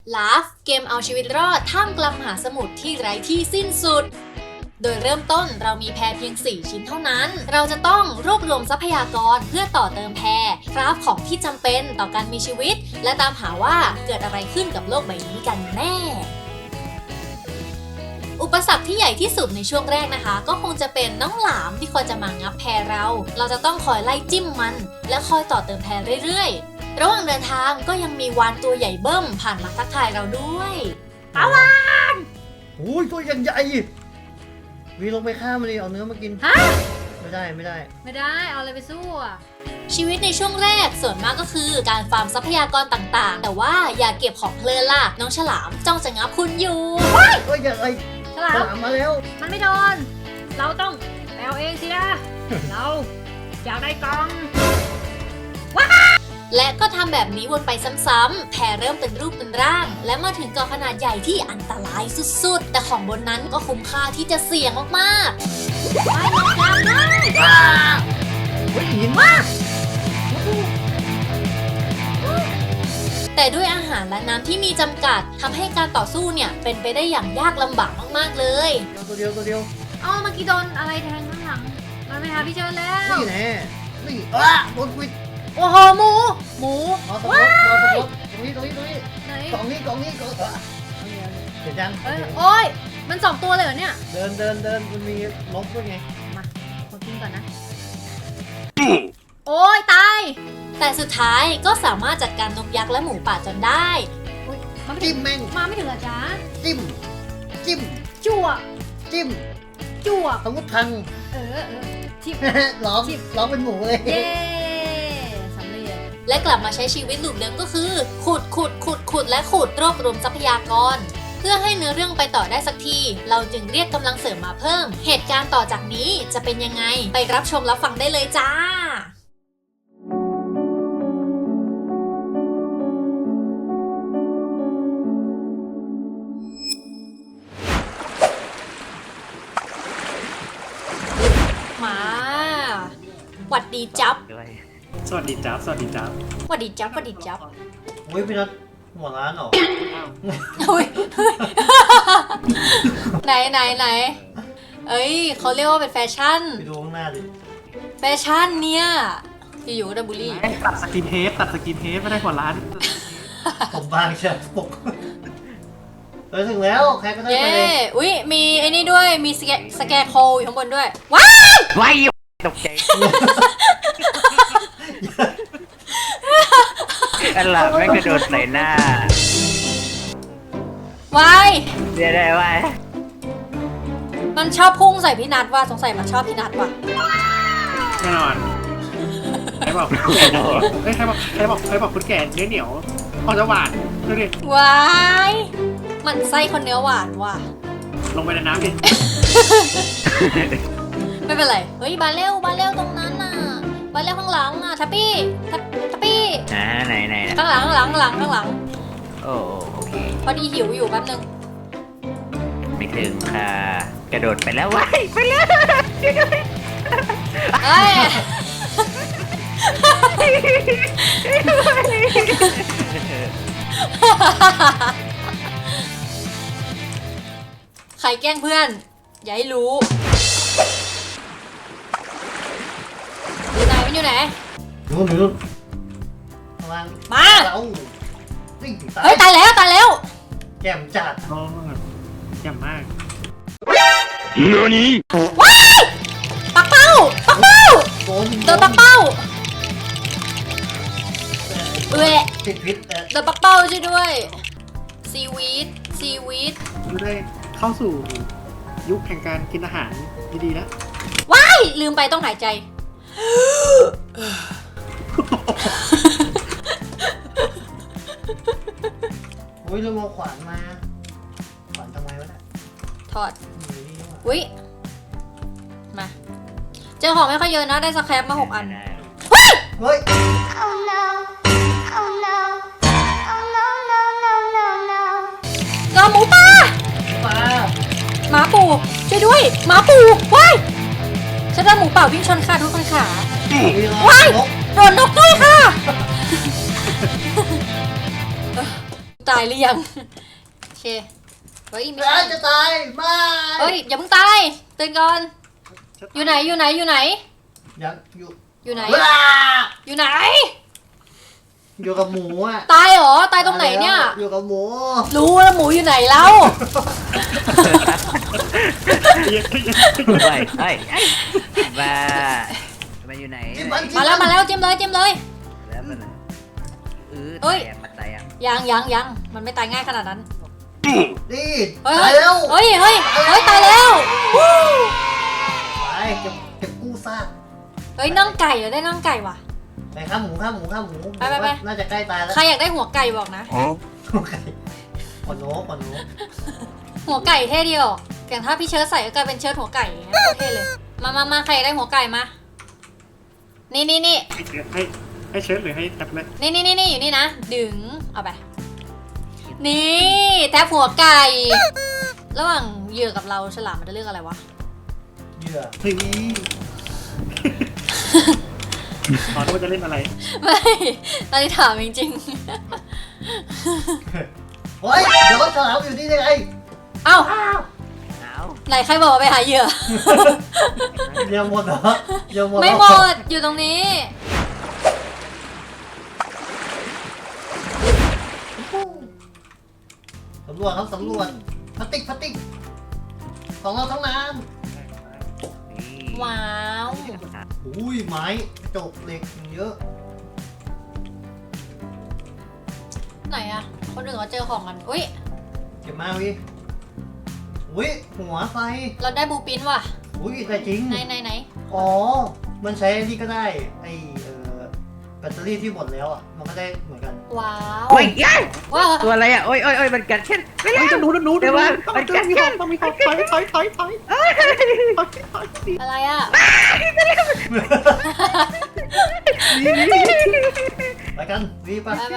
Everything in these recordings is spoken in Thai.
Laugh เกมเอาชีวิตรอดท่ามกลางมหาสมุทรที่ไร้ที่สิ้นสุดโดยเริ่มต้นเรามีแพเพียง 4 ชิ้นเท่านั้นเราจะต้องรวบรวมทรัพยากรเพื่อต่อเติมแพคราฟของที่จำเป็นต่อการมีชีวิตและตามหาว่าเกิดอะไรขึ้นกับโลกใบนี้กันแน่อุปสรรคที่ใหญ่ที่สุดในช่วงแรกนะคะก็คงจะเป็นน้องหลามที่คอยจะมางับแพเราจะต้องคอยไล่จิ้มมันและคอยต่อเติมแพเรื่อยๆระหว่างเดินทางก็ยังมีวานตัวใหญ่เบิ้มผ่านมาทักทายเราด้วยปาวานโอ้ยตัวยังใหญ่วีลงไปฆ่ามันเลยเอาเนื้อมากินฮะไม่ได้เอาอะไรไปสู้อ่ะชีวิตในช่วงแรกส่วนมากก็คือการฟาร์มทรัพยากรต่างๆแต่ว่าอย่าเก็บของเพลินล่ะน้องฉลามจ้องจะงับคุณอยู่ก็อย่าไอ้ฉลามมาแล้วมันไม่โดนเราต้องเอาเองสินะเราอยากได้กล่องว้าและก็ทำแบบนี้วนไปซ้ำๆแพเริ่มเป็นรูปเป็นร่างและมาถึงเกาะขนาดใหญ่ที่อันตรายสุดๆแต่ของบนนั้นก็คุ้มค่าที่จะเสี่ยงมากๆไปลงน้ำเลยหินมากแต่ด้วยอาหารและน้ำที่มีจำกัดทำให้การต่อสู้เนี่ยเป็นไปได้อย่างยากลำบากมากๆเลยตัวเดียวเมื่อกี้โดนอะไรแทงข้างหลังมาไม่หาพี่เจอแล้วนี่แน่นี่โดนควิดโอ้โหหมูว้ายตรงนี้ไหนกล่องนี้เห็นยังโอ้ยมัน2 ตัวเลยเหรอเนี่ยเดินมันมีนกด้วยไงมาขอกินก่อนนะโอ้ยตายแต่สุดท้ายก็สามารถจัดการนกยักษ์และหมูป่าจนได้จิ้มแม่งมาไม่ถึงเหรอจ๊ะจิ้มจั่วสมมติพังทิมร้องเป็นหมูเลยเย้สำเร็จและกลับมาใช้ชีวิตลูปเดิมก็คือขุดและขุดรวบรวมทรัพยากรเพื่อให้เนื้อเรื่องไปต่อได้สักทีเราจึงเรียกกำลังเสริมมาเพิ่มเหตุการณ์ต่อจากนี้จะเป็นยังไงไปรับชมรับฟังได้เลยจ้ามาหวัดดีจับสวัสดีจับหวัดดีจับโอ้ยพี่นัทหัวร้านเหรอไหนเอ้ยเขาเรียกว่าเป็นแฟชั่นไปดูข้างหน้าดิแฟชั่นเนี่ยอยู่ดับบุรีตัดสกินเฮดไม่ได้หัวร้านผมบางเชียวปกถึงแล้วใครก็ได้ไปเลยอุ้ยมีไอ้นี่ด้วยมีสแกร์โคอยู่ข้างบนด้วยว้ายตกใจอันหลังไม่กระโดดใส่หน้าวายได้วายมันชอบพุ่งใส่พี่นัทว่ะสงสัยมันชอบพี่นัทว่ะแน่นอนใครบอกคุณแก่เนื้อเหนียวพอจะหวานดูดิวายมันไส้คนเนื้อหวานว่ะลงไปในน้ำดิไม่เป็นไรเฮ้ยบาเร็วตรงนั้นน่ะบาเร็วข้างหลังอ่ะทัปปี้ไหนข้างหลังโอเคพอดีหิวอยู่แป๊บนึงไม่ถึงค่ะกระโดดไปแล้วว้ายไปเลยเอ้ยใครแกล้งเพื่อนอย่าให้รู้อยู่ไหนนู่นข้างล่างมาเฮ้ยตายแล้วแจ่มจัดแจ่มมากนี่ว้ายปักเป้าโดนปักเป้าติดพิษโดนปักเป้าช่วยด้วยซีวีดไม่ได้เข้าสู่ยุคแห่งการกินอาหารดีๆแล้วว้ายลืมไปต้องหายใจโอ้ยเราขวานมาขวานทำไมวะเนี่ยถอดอุ้ยมาเจอของไม่ค่อยเยอะนะได้สแครปมา6 อันเฮ้ยเจอหมูป่าหมาปู่ช่วยด้วยหมาปู่ว้ายฉันได้หมูป่าวิ่งชนขาทุกคนขาว้ายโดนนกด้วยค่ะตายหรือยังโอเคเฮ้ยไม่ร้าใช่นจะตายไม่เฮ้ยอย่าเพิ่งตายตื่นก่อนอยู่ไหนอยู่ไหนอยู่ไหนยังอยู่อยู่ไหนว้าอยู่ไหนอยู่กับหมูอ่ะตายเหรอตายตรงไหนเนี่ยอยู่กับหมูรู้แล้วหมูอยู่ไหนแล้วไปเฮ้ยมามันอยู่ไหนมาแล้วมาแล้วจิ้มเลยจิ้มเลยแล้วมันตายมันตายยังยังมันไม่ตายง่ายขนาดนั้นนี่เฮ้ยตายแล้วเฮ้ยตายแล้ววู้ไปเก็บกู้ซากเฮ้ยน่องไก่เหรอได้น่องไก่ว่ะไปข้ามหมูข้ามหมูข้ามหมูไปน่าจะใกล้ตายแล้วใครอยากได้หัวไก่บอกนะก่อนโน้ก่อนโน้หัวไก่เท่ดีออกอย่างถ้าพี่เชิร์ชใส่ก็กลายเป็นเชิร์ชหัวไก่อย่างเงี้ยโคตรเท่เลยมาใครอยากได้หัวไก่มานี่ให้เชิญหรือให้แท็บเล็ตนี่อยู่นี่นะดึงเอาไปนี่แทบหัวไก่ ระหว่างเหยื่อกับเราฉลามมันจะเลือกอะไรวะเหยื่อเฮ้ยขอโทษจะเล่นอะไรไม่ตอนนี้ถามจริงเฮ้ยเดี๋ยวฉลามอยู่นี่ได้ไงๆเอ้าเอาไหนใครบอกว่าไปหาเหยื่อยังหมดเหรอยังหมดไม่หมดอยู่ตรงนี้สำรวจครับสำรวจพลาสติกของเราทั้งนั้นว้าวอุ้ยไม้กระจกเหล็กเยอะไหนอะคนอื่นเขาเจอของกันอุ้ยเก็บมาวิอุ้ยหัวไฟเราได้บูปินว่ะอุ้ยแต่จริงไหนอ๋อมันใช้นี่ก็ได้ไอแบตเตอรี่ที่หมดแล้วอ่ะมันก็ได้เหมือนกันว้าวโอ้ยยัยว้าวตัวอะไรอ่ะโอ้ยมันกัดฉันไม่แล้วจะหนูเดี๋ยวว่ามันกัดฉันต้องมีของถอยอะไรอะไปกันวีไปไป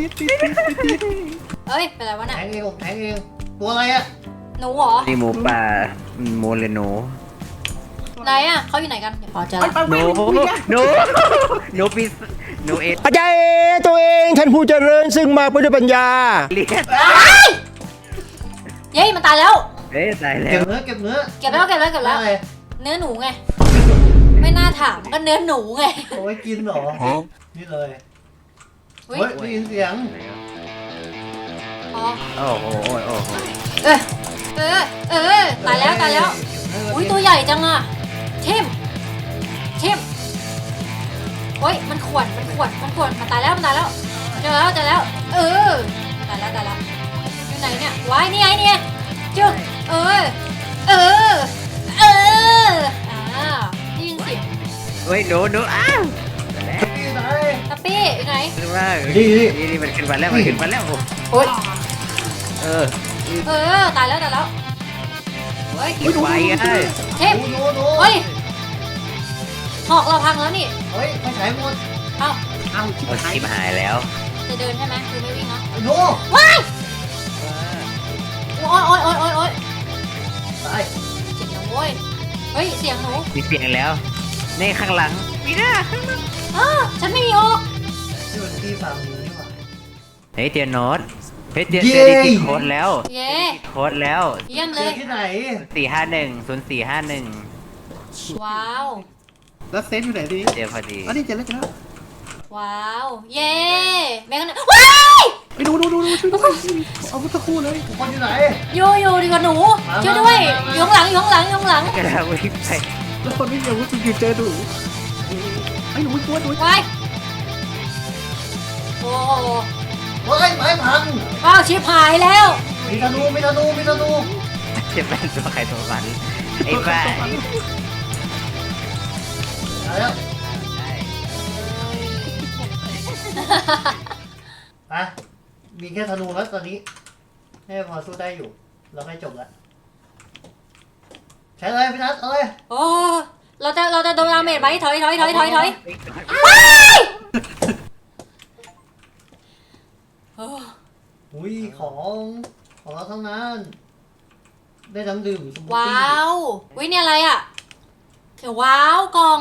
เอ้ยเป็นไรวะแทเนี่ยงเองผมแทงเองตัวอะไรอ่ะหนูเหรอนี่หมูป่าหมูเลยหนูไหนอะเขาอยู่ไหนกันพอเจอละหนูปีหนูเออาจารย์ตัวเองท่านผู้เจริญซึ่งมาด้วยปัญญาเลียนเย้มันตายแล้วเฮ้ยตายแล้เก็บวเนื้อเก็บเนื้อเก็บแล้วอะไรเนื้อหนูไงไม่น่าถามก็เนื้อหนูไงเอาไว้กินเหรอนี่เลยอุ้ยเฮ้ยได้ยินเสียงอ๋อโอ้โหโอ้โหเออตายแล้วอุ้ยตัวใหญ่จังอะเข้มโอ้ยมันขวนมันตายแล้วเจอแล้วเออตายแล้วอยู่ไหนเนี่ยว้ายนี่ไงจึ๊กเออได้ยินเสียงเฮ้ยหนูอ้าวนี่ไหนทัปปี้อยู่ไหนขึ้นมานี่นี่มันขึ้นมาแล้วโอ้ยเออตายแล้วเฮ้ยกินไว้ไงเข้มโน้เฮ้ยหอกเราพังแล้วนี่เฮ้ยไม่ใช้หมดเอ้าเอาชิบมันหายชิบหายแล้วจะเดินใช่ไหมคือไม่วิ่งเนาะโน้ว้ายโอ๊ยตายเสียงหนูเว้ยเฮ้ยเสียงหนูมีเสียงแล้วนี่ข้างหลังมีหน้าฉันไม่มีหอกนี่มันที่ฟาร์มนี้นี่หว่าเฮ้ยเจอโน้ตเฮ้ยเจอได้กินโค้ดแล้วเย้โค้ดแล้วเยี่ยมเจเลอย ที่ไหน 451 ว้าวแล้วเซฟอยู่ไหนทีนี้เจอพอดีอันนี้เจอแล้วว้าวเย้แม่กันว้ายไปดูช่วยด้วยเอาพุทธคู่เลยทุกคนอยู่ไหนอยู่ดีกว่าหนูช่วยด้วยอยู่ข้างหลังกระดาษวิ่งไปแล้วคนไม่มีอาวุธอยู่เจอดูไอ้หนูตัวว้ายโอ้โหเฮ้ยไม้พังว้าวชิบหายแล้วมีธนูจะเป็นตัวใครตัวมันไอ้บ้ามาแล้วอ่ะมีแค่ธนูแล้วตอนนี้ให้พอสู้ได้อยู่เราใกล้จบแล้วใช้เลยพี่นัทเอาเลยโอ้เราจะโดนดาเมจไหมถอยว้ายโอ้อุ้ยของเราทั้งนั้นได้น้ำดื่มสมูทตี้ว้าววิเนี่ยอะไรอ่ะเขียวว้าวกล่อง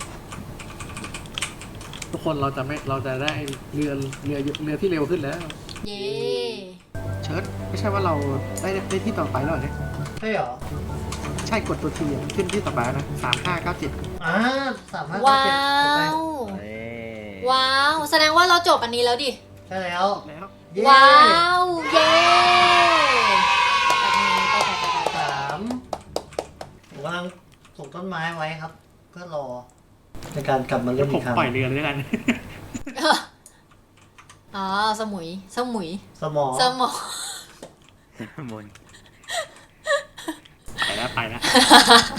ทุกคนเราจะได้เรือที่เร็วขึ้นแล้วเย้เชิร์ตไม่ใช่ว่าเราได้ที่ต่อไปแล้วเหรอเนี่ยใช่เหรอใช่กดตัวทีขึ้นที่ต่อไปแล้วนะ3597 อ่า3-5 ว้า 7ไปวเอ้ยว้าว แสดงว่าเราจบอันนี้แล้วดิใช่แล้วแล้วเย้ว้าว เย้แบบนี้ไป 3ผมกำลังปลูกต้นไม้ไว้ครับ เพื่อรอในการกลับมาเดี๋เล่ยวน ผอีมกครั้งปล่อยเรือเลยแล้วกันอ๋อ สมุยสมอสมอมุนไปแล้ว